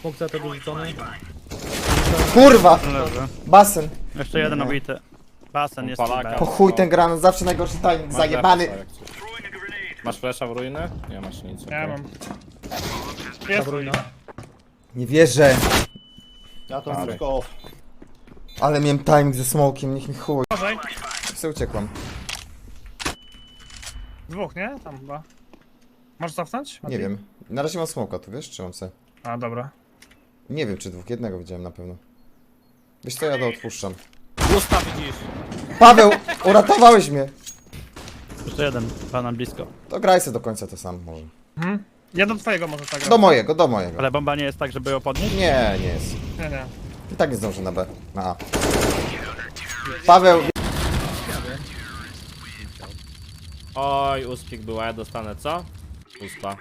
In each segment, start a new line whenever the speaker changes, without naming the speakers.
Smok CT dorzucony.
Kurwa!
Leży.
Basen.
Jeszcze jeden obity. Basen jest
Palaka.
B.
Po chuj ten granat, zawsze najgorszy timing,
Masz
zajebany.
flasha, jak coś. Masz flasha w ruiny? Nie masz nic.
Ja
okej.
mam. Jest ruina.
Nie wierzę.
Ja to
Dalej.
wszystko off.
Ale miałem timing ze smokiem, niech mi chuj.
Uważaj.
Se uciekłam.
Dwóch, nie? Tam chyba. Możesz cofnąć?
Nie wiem. Na razie mam smoka, tu wiesz? Trzymam se.
A, dobra.
Nie wiem czy dwóch, jednego widziałem na pewno. Wiesz co, ja to odpuszczam.
Usta widzisz.
Paweł, uratowałeś mnie.
Jeszcze jeden. Pana blisko.
To graj se do końca to sam może.
Ja do twojego może tak
Do mojego, do mojego.
Ale bomba nie jest tak, żeby ją podnieść?
Nie, nie jest.
Nie, nie.
I tak nie zdążę na B. Na A. Paweł,
Oj, uspik była, ja dostanę co? Uspa.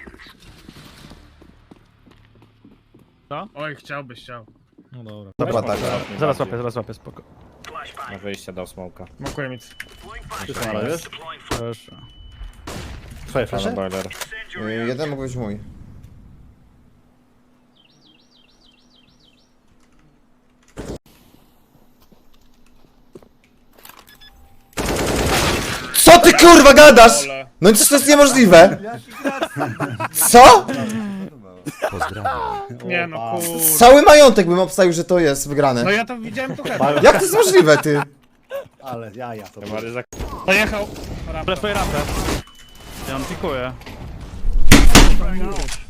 Oj, chciałbyś.
No dobra.
dobra, tak.
Zaraz łapię, spoko.
Na wyjście dał smoka.
Smokuję mi.
Ale wiesz?
Proszę.
Twoje
Pana
flasze?
boiler.
Jeden mógł być mój. Co ty kurwa gadasz?
Ole.
No to jest niemożliwe. Co?
Nie no, kur...
Cały majątek bym obstawił, że to jest wygrane.
No ja to widziałem tu chyba.
Jak to jest możliwe, ty?
Ale jaja to
Chyba ryzyk.
Dojechał. Rampę.
Flashuję rampę. Ja on pikuje.